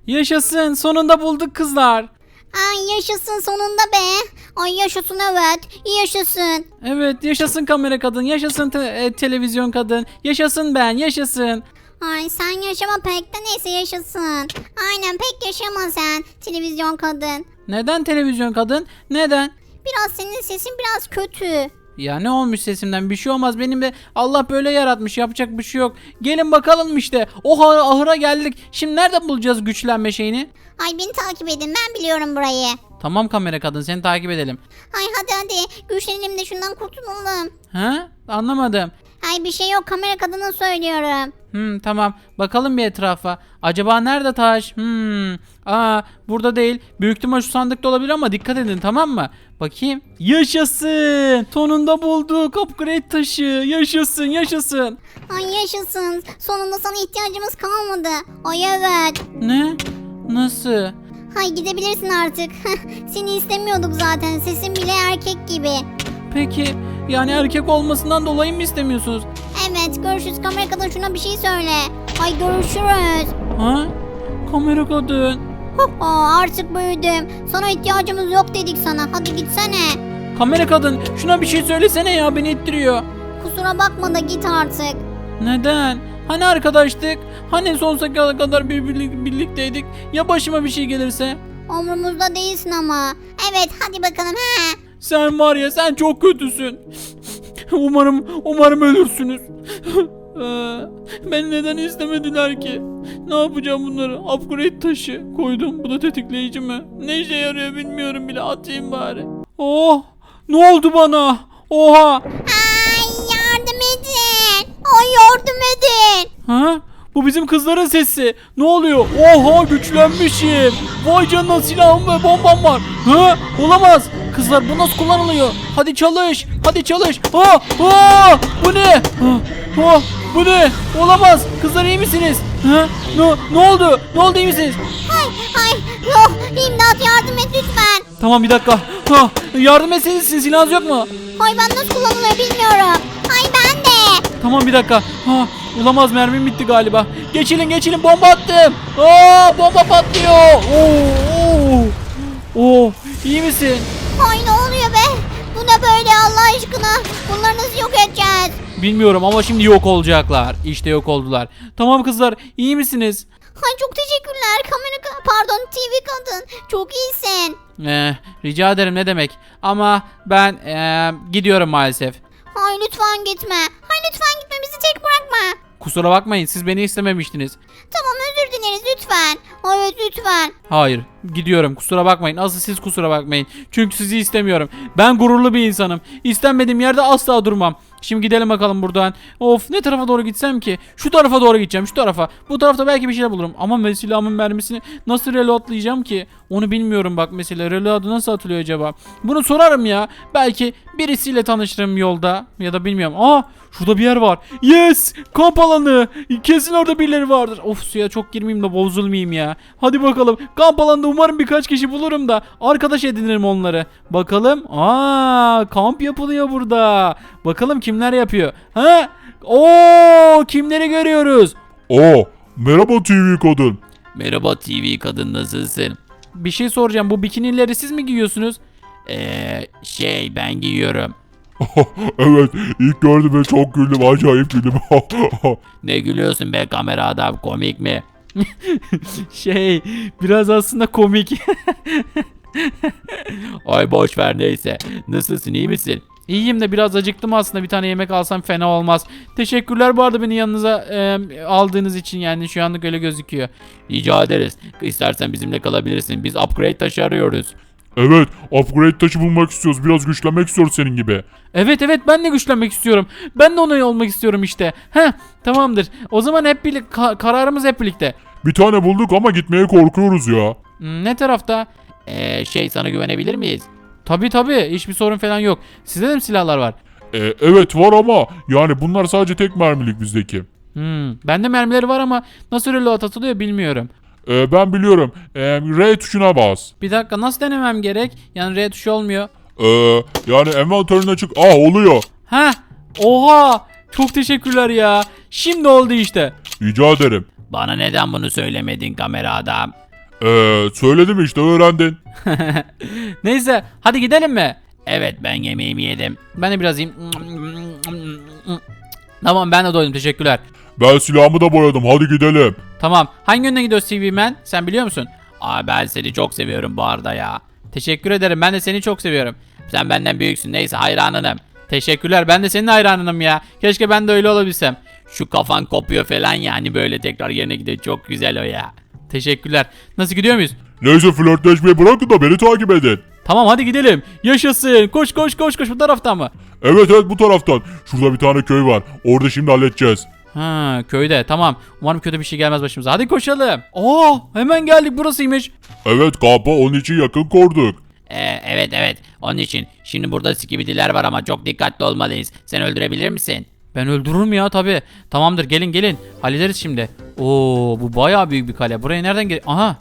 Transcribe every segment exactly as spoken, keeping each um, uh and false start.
Yaşasın, sonunda bulduk kızlar. Ay yaşasın sonunda be. Ay yaşasın evet. Yaşasın. Evet, yaşasın kamera kadın, yaşasın te- e, televizyon kadın, yaşasın ben, yaşasın. Ay sen yaşama pek de neyse yaşasın. Aynen pek yaşama sen televizyon kadın. Neden televizyon kadın? Neden? Biraz senin sesin biraz kötü. Ya ne olmuş sesimden, bir şey olmaz, benim de Allah böyle yaratmış, yapacak bir şey yok. Gelin bakalım işte, o ha- ahıra geldik. Şimdi nerede bulacağız güçlenme şeyini? Ay beni takip edin ben biliyorum burayı. Tamam kamera kadın, seni takip edelim. Ay hadi hadi güçlenelim de şundan kurtulalım. Ha? Anlamadım. Ay bir şey yok kamera kadına söylüyorum. Hmm, tamam, bakalım bir etrafa. Acaba nerede taş? Hmm. Aa, burada değil. Büyük ihtimal şu sandıkta olabilir ama dikkat edin, tamam mı? Bakayım. Yaşasın! Sonunda bulduk upgrade taşı. Yaşasın, yaşasın. Ay yaşasın sonunda sana ihtiyacımız kalmadı. Ay evet. Ne? Nasıl? Hay gidebilirsin artık. Seni istemiyorduk zaten sesin bile erkek gibi. Peki, yani erkek olmasından dolayı mı istemiyorsunuz? Evet görüşürüz kamera kadın şuna bir şey söyle. Ay görüşürüz. Ha? Kamera kadın. Aa, artık büyüdüm. Sana ihtiyacımız yok dedik sana. Hadi gitsene. Kamera kadın, şuna bir şey söylesene ya, beni ittiriyor. Kusura bakma da git artık. Neden? Hani arkadaştık? Hani sonsuza kadar bir birlik- birlikteydik? Ya başıma bir şey gelirse? Umrumuzda değilsin ama. Evet hadi bakalım he. Sen var ya, sen çok kötüsün. Umarım, umarım ölürsünüz. Ee, Beni neden istemediler ki? Ne yapacağım bunları? Upgrade taşı koydum. Bu da tetikleyici mi? Ne işe yarıyor bilmiyorum bile. Atayım bari. Oh! Ne oldu bana? Oha! Ay yardım edin. Ay yardım edin. Ha? Bu bizim kızların sesi. Ne oluyor? Oha, güçlenmişim. Vay canına, silahım ve bombam var. Ha? Olamaz. Kızlar, bu nasıl kullanılıyor? Hadi çalış. Hadi çalış. Ha? Ha? Bu ne? Ha? Ha? Bu ne? Olamaz. Kızlar, iyi misiniz? Ha? Ne, ne oldu? Ne oldu, iyi misiniz? Ay ay yok imdat yardım et lütfen. Tamam, bir dakika. Ha? Yardım etseniz, sizin silahınız yok mu? Ay ben nasıl kullanılıyor bilmiyorum. Ay ben de. Tamam, bir dakika. Ha, olamaz, mermim bitti galiba. Geçilin geçilin, bomba attım. Aa, bomba patlıyor. Oo, oo. Oo, iyi misin? Ay ne oluyor be? Bu ne böyle Allah aşkına? Bunları nasıl yok edeceğiz? Bilmiyorum ama şimdi yok olacaklar. İşte yok oldular. Tamam kızlar, iyi misiniz? Ay çok teşekkürler kamera ka- pardon T V kadın. Çok iyisin. Ee, rica ederim, ne demek. Ama ben ee, gidiyorum maalesef. Ay lütfen gitme. Ay lütfen gitme bizi tek bırakma. Kusura bakmayın, siz beni istememiştiniz. Tamam özür dileriz lütfen. Evet lütfen. Hayır, gidiyorum, kusura bakmayın. Asıl siz kusura bakmayın. Çünkü sizi istemiyorum. Ben gururlu bir insanım. İstenmediğim yerde asla durmam. Şimdi gidelim bakalım buradan. Of, ne tarafa doğru gitsem ki? Şu tarafa doğru gideceğim, şu tarafa. Bu tarafta belki bir şeyler bulurum. Ama me- silahımın mermisini nasıl reloadlayacağım ki? Onu bilmiyorum bak mesela. Reload'u nasıl atılıyor acaba? Bunu sorarım ya. Belki birisiyle tanışırım yolda. Ya da bilmiyorum. Aa, şurada bir yer var. Yes! Kamp alanı. Kesin orada birileri vardır. Of, suya çok girmeyeyim de bozulmayayım ya. Hadi bakalım. Kamp alanında umarım birkaç kişi bulurum da arkadaş edinirim onları. Bakalım. Aa, kamp yapılıyor burada. Bakalım kimler yapıyor. Ha? Oo, kimleri görüyoruz? Aa, merhaba T V kadın. Merhaba T V kadın, nasılsın? Bir şey soracağım, bu bikinileri siz mi giyiyorsunuz? Eee şey ben giyiyorum. Evet, ilk gördüm ve çok güldüm, acayip güldüm. Ne gülüyorsun be kamera adam, komik mi? Şey biraz aslında komik. Ay boş ver, neyse. Nasılsın, iyi misin? İyiyim de biraz acıktım aslında, bir tane yemek alsam fena olmaz. Teşekkürler bu arada beni yanınıza e, aldığınız için, yani şu anlık öyle gözüküyor. Rica ederiz. İstersen bizimle kalabilirsin. Biz upgrade taşı arıyoruz. Evet, upgrade taşı bulmak istiyoruz, biraz güçlenmek istiyoruz senin gibi. Evet evet, ben de güçlenmek istiyorum. Ben de onay olmak istiyorum işte. Heh, tamamdır. O zaman hep birlikte ka- kararımız hep birlikte. Bir tane bulduk ama gitmeye korkuyoruz ya. Hmm, ne tarafta? Eee şey, sana güvenebilir miyiz? Tabi tabi, hiçbir sorun falan yok. Sizde de mi silahlar var? Ee, evet var ama yani bunlar sadece tek mermilik bizdeki. Hmm, bende mermileri var ama nasıl reload atılıyor bilmiyorum. Ee, ben biliyorum. Ee, R tuşuna bas. Bir dakika, nasıl denemem gerek? Yani R tuşu olmuyor. Ee, yani envanterin açık. Ah, oluyor. Heh, oha, çok teşekkürler ya. Şimdi oldu işte. Rica ederim. Bana neden bunu söylemedin kamera adam? Eee söyledim işte öğrendin. Neyse hadi gidelim mi? Evet, ben yemeğimi yedim. Ben de biraz yiyeyim. Tamam ben de doydum teşekkürler. Ben silahımı da boyadım hadi gidelim. Tamam hangi yöne gidiyoruz T V Man? Sen biliyor musun? Aa, ben seni çok seviyorum bu arada ya. Teşekkür ederim ben de seni çok seviyorum. Sen benden büyüksün, neyse, hayranınım. Teşekkürler ben de senin hayranınım ya. Keşke ben de öyle olabilsem. Şu kafan kopuyor falan yani, böyle tekrar yerine gidiyor, çok güzel o ya. Teşekkürler. Nasıl gidiyor muyuz? Neyse flörtleşmeyi bırakın da beni takip edin. Tamam hadi gidelim. Yaşasın. Koş koş koş koş bu taraftan mı? Evet evet bu taraftan. Şurada bir tane köy var. Orada şimdi halledeceğiz. Ha köyde tamam. Umarım kötü bir şey gelmez başımıza. Hadi koşalım. Oo hemen geldik burasıymış. Evet kampı onun için yakın kurduk. Ee, evet evet, onun için. Şimdi burada skibidiler var ama çok dikkatli olmalıyız. Sen öldürebilir misin? Ben öldürürüm ya tabi. Tamamdır gelin gelin. Hallederiz şimdi. Oo bu bayağı büyük bir kale. Buraya nereden gel? Aha.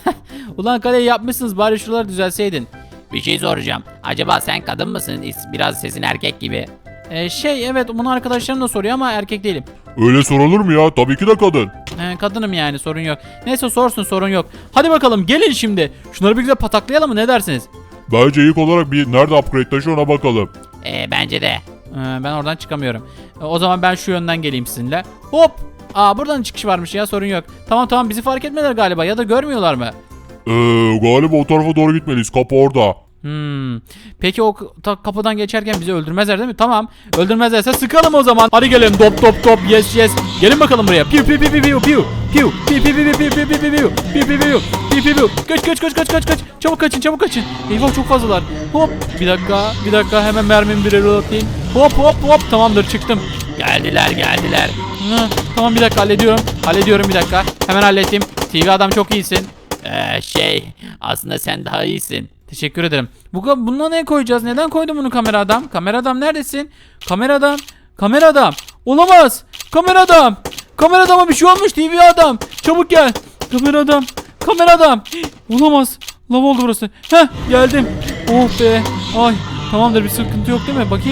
Ulan kaleyi yapmışsınız bari şuraları düzelseydin. Bir şey soracağım. Acaba sen kadın mısın? Biraz sesin erkek gibi. Ee, şey evet bunu arkadaşlarım da soruyor ama erkek değilim. Öyle sorulur mu ya? Tabii ki de kadın. Ee, kadınım yani sorun yok. Neyse sorsun sorun yok. Hadi bakalım gelin şimdi. Şunları bir güzel pataklayalım mı ne dersiniz? Bence ilk olarak bir nerede upgrade taşı ona bakalım. Ee, bence de. Ee, ben oradan çıkamıyorum. Ee, o zaman ben şu yönden geleyim sizinle. Hop. Aa buradan çıkış varmış ya sorun yok. Tamam tamam bizi fark etmediler galiba ya da görmüyorlar mı? Eee galiba o tarafa doğru gitmeliyiz. Kapı orada. Hmm. Peki o ta- kapıdan geçerken bizi öldürmezler değil mi? Tamam. Öldürmezlerse sıkalım o zaman. Hadi gelin. Top top top. Yes yes. Gelin bakalım buraya. Piu piu piu piu piu piu. Piu piu piu piu piu piu piu piu piu. Piu piu piu. Piu piu piu. Kaç kaç kaç kaç kaç kaç. Çabuk kaçın çabuk kaçın. Eyvah çok fazlalar. Hop. Bir dakika. Bir dakika hemen mermimi bir reloadlayayım. Hop hop hop. Tamamdır çıktım. Geldiler geldiler. Hı, tamam bir dakika hallediyorum. Hallediyorum bir dakika. Hemen hallettim. T V adam çok iyisin. Ee, şey, aslında sen daha iyisin. Teşekkür ederim. Bu bununla ne koyacağız? Neden koydun bunu kamera adam? Kamera adam neredesin? Kamera adam. Kamera adam. Olamaz. Kamera adam. Kamera adama bir şey olmuş T V adam. Çabuk gel. Kamera adam. Kamera adam. Olamaz. Lav oldu burası. Heh geldim. Oh be. Ay. Tamamdır bir sıkıntı yok değil mi? Bakayım.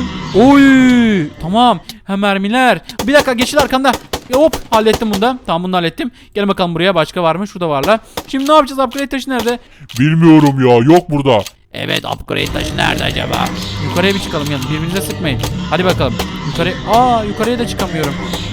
Oy. Tamam. Hem mermiler. Bir dakika geçil arkanda. E, hop hallettim bunu da. Tamam bunu da hallettim. Gel bakalım buraya. Başka var mı? Şurada varlar. Şimdi ne yapacağız? Upgrade taşı nerede? Bilmiyorum ya yok burada. Evet, upgrade taşı nerede acaba? Yukarıya bir çıkalım yalnız birbirinize sıkmayın. Hadi bakalım. Yukarı. Aa yukarıya da çıkamıyorum.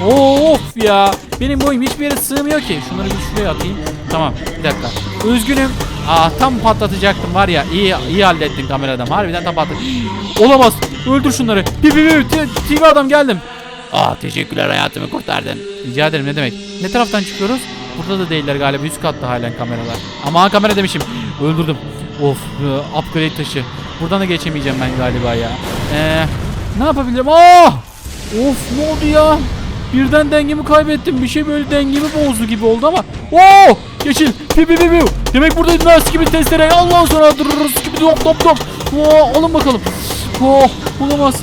Of ya. Benim boyum hiçbir yere sığmıyor ki. Şunları bir şuraya atayım. Tamam bir dakika. Üzgünüm. Aa tam patlatacaktım var ya. İyi iyi hallettin kameradan. Harbiden tam patlat. Olamaz. Öldür şunları. Bir bir bir. T V adam geldim. Ah, teşekkürler, hayatımı kurtardın. Rica ederim ne demek. Ne taraftan çıkıyoruz? Burada da değiller galiba. Üst katta halen kameralar. Ama kamera demişim. Öldürdüm. Of. e, Upgrade taşı. Buradan da geçemeyeceğim ben galiba ya. Eee. Ne yapabilirim? Aa! Of ne oldu ya? Birden dengemi kaybettim. Bir şey böyle dengemi bozdu gibi oldu ama. Oo! Geçil. Pi pi pi pi. Demek burada nasıl gibi testere. Allah'ın sonra dururuz gibi top top top. Oo, alın bakalım. Oo, olamaz.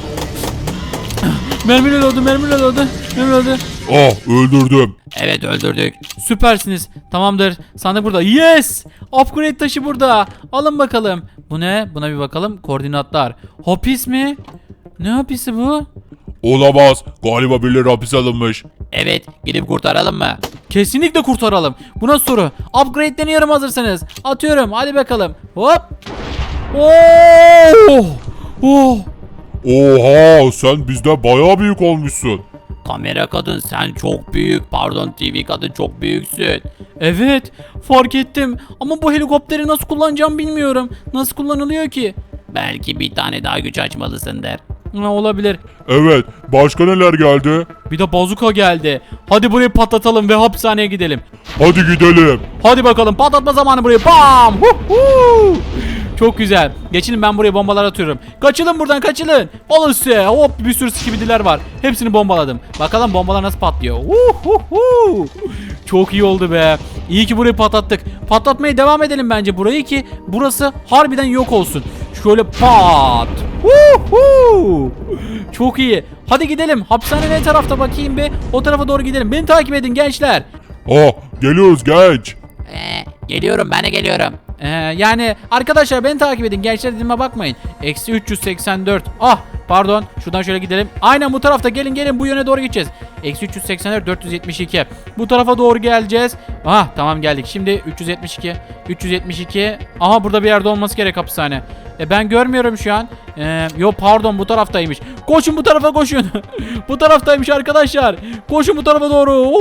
Mermiyle öldü, mermiyle öldü. Mermiyle öldü. Ah öldürdüm. Evet, öldürdük. Süpersiniz. Tamamdır. Sandık burada. Yes! Upgrade taşı burada. Alın bakalım. Bu ne? Buna bir bakalım. Koordinatlar. Hapis mi? Ne hapisi bu? Olamaz. Galiba birileri hapis alınmış. Evet, gidip kurtaralım mı? Kesinlikle kurtaralım. Bu nasıl soru? Upgrade deniyorum hazırsanız. Atıyorum. Hadi bakalım. Hop. Oh! Oh! Oha sen bizden bayağı büyük olmuşsun. Kamera kadın, sen çok büyük. Pardon, T V kadın, çok büyüksün. Evet. Fark ettim. Ama bu helikopteri nasıl kullanacağım bilmiyorum. Nasıl kullanılıyor ki? Belki bir tane daha güç açmalısındır. Ha, olabilir. Evet başka neler geldi? Bir de bazuka geldi. Hadi burayı patlatalım ve hapishaneye gidelim. Hadi gidelim. Hadi bakalım patlatma zamanı burayı. Bam! Huhu! Çok güzel. Geçin ben buraya bombalar atıyorum. Kaçılın buradan kaçılın. Alın size. Hop bir sürü skibidiler var. Hepsini bombaladım. Bakalım bombalar nasıl patlıyor. Huhu! Çok iyi oldu be. İyi ki burayı patlattık. Patlatmaya devam edelim bence burayı ki burası harbiden yok olsun. Şöyle pat. Huhu! Çok iyi. Hadi gidelim. Hapishane ne tarafta bakayım be. O tarafa doğru gidelim. Beni takip edin gençler. Ah geliyoruz genç. Ee, geliyorum, ben de geliyorum. Ee, yani arkadaşlar beni takip edin. Gençler dediğime bakmayın. Eksi üç yüz seksen dört. Ah pardon. Şuradan şöyle gidelim. Aynen bu tarafta. Gelin gelin bu yöne doğru gideceğiz. Eksi üç yüz seksen dört dört yüz yetmiş iki. Bu tarafa doğru geleceğiz. Aha tamam geldik. Şimdi üç yüz yetmiş iki. üç yüz yetmiş iki. Aha burada bir yerde olması gerek hapishane. E ben görmüyorum şu an. Ee, yo pardon bu taraftaymış. Koşun bu tarafa koşun. Bu taraftaymış arkadaşlar. Koşun bu tarafa doğru.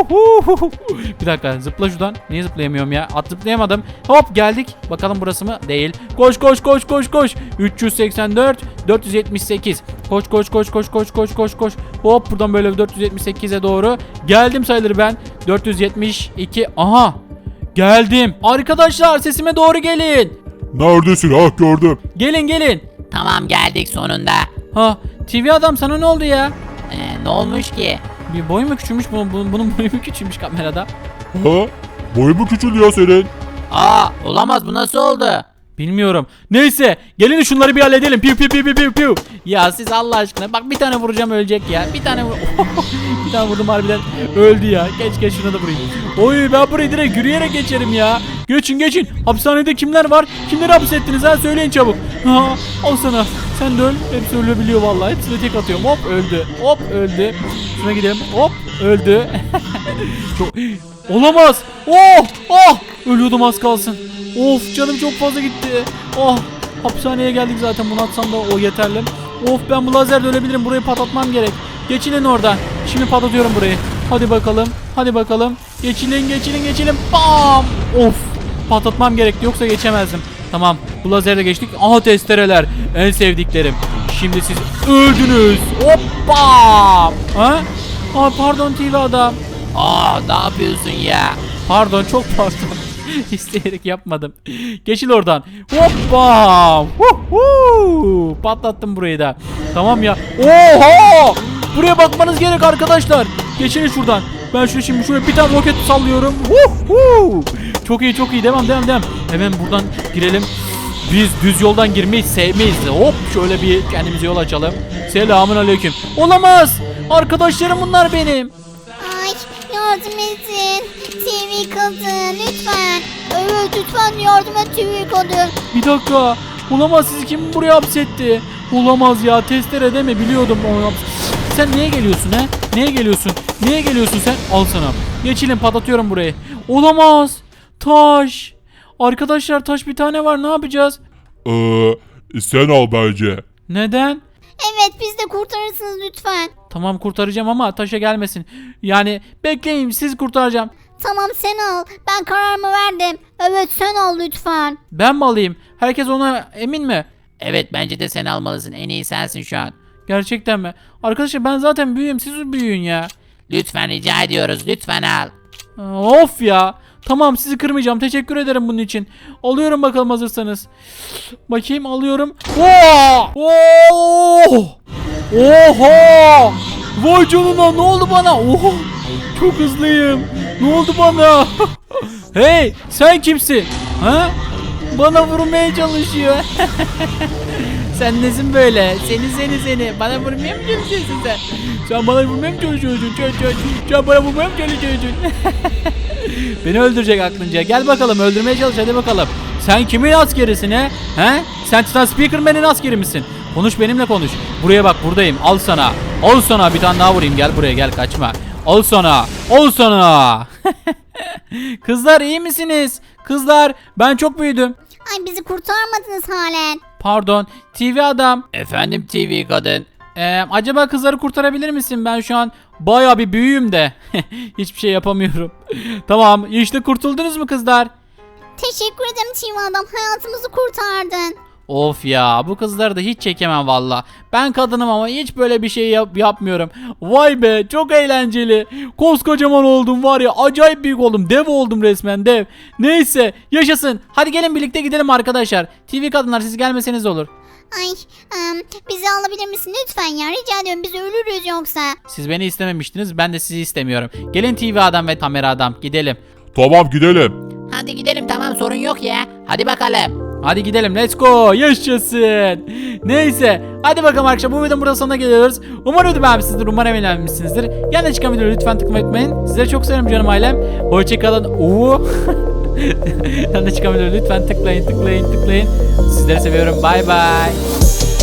Bir dakika zıpla şuradan. Niye zıplayamıyorum ya? At zıplayamadım. Hop geldik. Bakalım burası mı? Değil. Koş koş koş koş koş. üç yüz seksen dört dört yüz yetmiş sekiz. Koş koş koş koş koş koş koş koş. Hop buradan böyle dört yüz yetmiş sekize doğru. Geldim sayılır ben. dört yüz yetmiş iki. Aha. Geldim. Arkadaşlar sesime doğru gelin. Neredesin? Ah gördüm. Gelin gelin. Tamam geldik sonunda. Ha T V adam sana ne oldu ya? Ee, ne olmuş ki? Bir boy mu küçülmüş bunun, bunun, bunun boyu mu küçülmüş kamerada? Ha? Boyu mu küçüldü ya senin? Aa olamaz, bu nasıl oldu? Bilmiyorum. Neyse gelin şunları bir halledelim. Piu piu piu piu piu piu. Ya siz Allah aşkına bak bir tane vuracağım ölecek ya. Bir tane vur. Bir tane vurdum harbiden öldü ya. Geç geç şuna da vurayım. Oy ben burayı direkt yürüyerek geçerim ya. Geçin geçin. Hapishanede kimler var? Kimleri hapsettiniz ha? Söyleyin çabuk. Ha, al sana. Sen de öl. Hepsi ölebiliyor vallahi. Hepsine tek atıyorum. Hop öldü. Hop öldü. Şuna gidelim. Hop öldü. Çok... Olamaz. Oh! Oh! Ölüyordum az kalsın. Of canım çok fazla gitti. Oh! Hapishaneye geldik zaten. Bunu atsam da o yeterli. Of ben bu lazerle ölebilirim. Burayı patlatmam gerek. Geçilin oradan. Şimdi patlatıyorum burayı. Hadi bakalım. Hadi bakalım. Geçilin geçilin geçilin. Bam! Of! Patlatmam gerekti yoksa geçemezdim. Tamam. Bu lazerle geçtik. Aha testereler. En sevdiklerim. Şimdi siz öldünüz. Hoppa! Ha? Aa pardon T V adam. Aa ne yapıyorsun ya? Pardon çok pardon. İsteyerek yapmadım. Geçil oradan. Hoppa! Huhu! Patlattım burayı da. Tamam ya. Oha! Buraya bakmanız gerek arkadaşlar. Geçin şuradan. Ben şuraya şimdi şuraya bir tane roket sallıyorum. Huhu! Çok iyi çok iyi. Devam devam devam. Hemen buradan girelim. Biz düz yoldan girmeyi sevmeyiz. Hop şöyle bir kendimize yol açalım. Selamun aleyküm. Olamaz. Arkadaşlarım bunlar benim. Ay yardım edin. T V kadın lütfen. Evet lütfen yardım et T V kadın. Bir dakika. Olamaz sizi kim buraya hapsetti? Olamaz ya testere deme biliyordum onu haps- Sen niye geliyorsun he? Niye geliyorsun? Niye geliyorsun sen? Al sana. Geçelim patlatıyorum burayı. Olamaz. Taş. Arkadaşlar taş bir tane var ne yapacağız? Ee, sen al bence. Neden? Evet biz de kurtarırsınız lütfen. Tamam kurtaracağım ama taşa gelmesin. Yani bekleyin siz kurtaracağım. Tamam sen al. Ben kararımı verdim. Evet sen al lütfen. Ben mi alayım? Herkes ona emin mi? Evet bence de sen almalısın, en iyi sensin şu an. Gerçekten mi? Arkadaşlar ben zaten büyüğüm siz büyüyün ya. Lütfen rica ediyoruz, lütfen al. Of ya. Tamam sizi kırmayacağım. Teşekkür ederim bunun için. Alıyorum bakalım hazırsanız. Bakayım alıyorum. Oo! Oo! Oha! Vay canına ne oldu bana? Oha! Çok hızlıyım. Ne oldu bana? Hey sen kimsin? Ha? Bana vurmaya çalışıyor. Sen nesin böyle? Seni seni seni. Bana vurmaya mı çalışıyorsun sen? Sen bana vurmaya mı çalışıyorsun? Çö, çö. Sen bana vurmaya mı çalışıyorsun? Beni öldürecek aklınca. Gel bakalım öldürmeye çalış hadi bakalım. Sen kimin askerisin he? He? Sen Titan Speakerman'in askeri misin? Konuş benimle konuş. Buraya bak buradayım. Al sana. Al sana bir tane daha vurayım. Gel buraya gel kaçma. Al sana. Al sana. Kızlar iyi misiniz? Kızlar ben çok büyüdüm. Ay bizi kurtarmadınız halen. Pardon. T V adam. Efendim T V kadın. Ee, acaba kızları kurtarabilir misin? Ben şu an bayağı bir büyüğüm de. Hiçbir şey yapamıyorum. Tamam işte kurtuldunuz mu kızlar? Teşekkür ederim T V adam. Hayatımızı kurtardın. Of ya bu kızları da hiç çekemem valla. Ben kadınım ama hiç böyle bir şey yap yapmıyorum. Vay be çok eğlenceli. Koskocaman oldum var ya acayip büyük oldum. Dev oldum resmen dev. Neyse yaşasın. Hadi gelin birlikte gidelim arkadaşlar. T V kadınlar siz gelmeseniz olur. Ay ım, bizi alabilir misin lütfen ya rica ediyorum biz ölürüz yoksa. Siz beni istememiştiniz ben de sizi istemiyorum. Gelin T V adam ve kamera adam gidelim. Tamam gidelim. Hadi gidelim, tamam sorun yok ya. Hadi bakalım. Hadi gidelim let's go yaşasın. Neyse hadi bakalım arkadaşlar bu videonun burada sonuna geliyoruz. Umarım video beğenmişsinizdir, umarım eğlenmişsinizdir. Yanına çıkan videoları lütfen tıklamayı unutmayın. Sizleri çok severim canım ailem. Hoşçakalın. Uuu. Yanına çıkan videoları lütfen tıklayın tıklayın tıklayın. Sizleri seviyorum bay bay.